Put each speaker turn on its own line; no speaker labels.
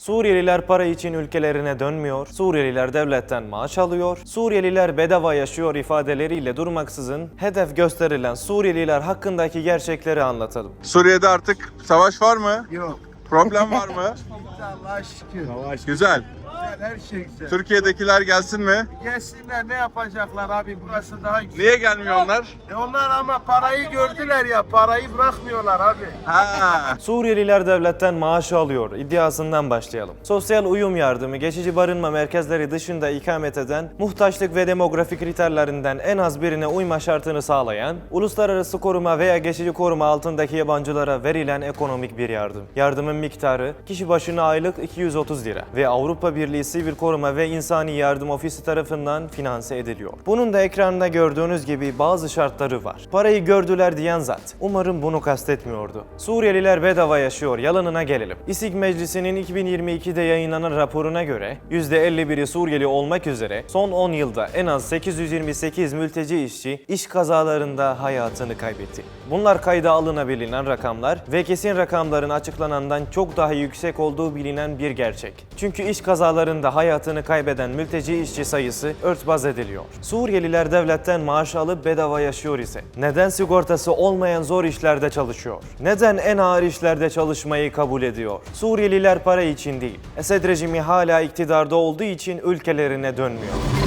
Suriyeliler para için ülkelerine dönmüyor, Suriyeliler devletten maaş alıyor, Suriyeliler bedava yaşıyor ifadeleriyle durmaksızın hedef gösterilen Suriyeliler hakkındaki gerçekleri anlatalım.
Suriye'de artık savaş var mı?
Yok.
Problem var mı?
Allah'a şükür.
Güzel.
Güzel, her şey güzel.
Türkiye'dekiler gelsin mi?
Gelsinler, ne yapacaklar abi, burası daha güzel.
Niye gelmiyor onlar?
Onlar ama parayı gördüler ya, parayı bırakmıyorlar abi.
Ha.
Suriyeliler devletten maaş alıyor iddiasından başlayalım. Sosyal uyum yardımı, geçici barınma merkezleri dışında ikamet eden, muhtaçlık ve demografik kriterlerinden en az birine uyma şartını sağlayan, uluslararası koruma veya geçici koruma altındaki yabancılara verilen ekonomik bir yardım. Yardımın miktarı kişi başına aylık 230 lira ve Avrupa Birliği Sivil Koruma ve İnsani Yardım Ofisi tarafından finanse ediliyor. Bunun da ekranda gördüğünüz gibi bazı şartları var. Parayı gördüler diyen zat umarım bunu kastetmiyordu. Suriyeliler bedava yaşıyor yalanına gelelim. İSİG Meclisi'nin 2022'de yayınlanan raporuna göre %51'i Suriyeli olmak üzere son 10 yılda en az 828 mülteci işçi iş kazalarında hayatını kaybetti. Bunlar kayda alınabilen rakamlar ve kesin rakamların açıklanandan çok daha yüksek olduğu bilinen bir gerçek. Çünkü iş kazalarında hayatını kaybeden mülteci işçi sayısı örtbas ediliyor. Suriyeliler devletten maaş alıp bedava yaşıyor ise neden sigortası olmayan zor işlerde çalışıyor? Neden en ağır işlerde çalışmayı kabul ediyor? Suriyeliler para için değil, Esed rejimi hala iktidarda olduğu için ülkelerine dönmüyor.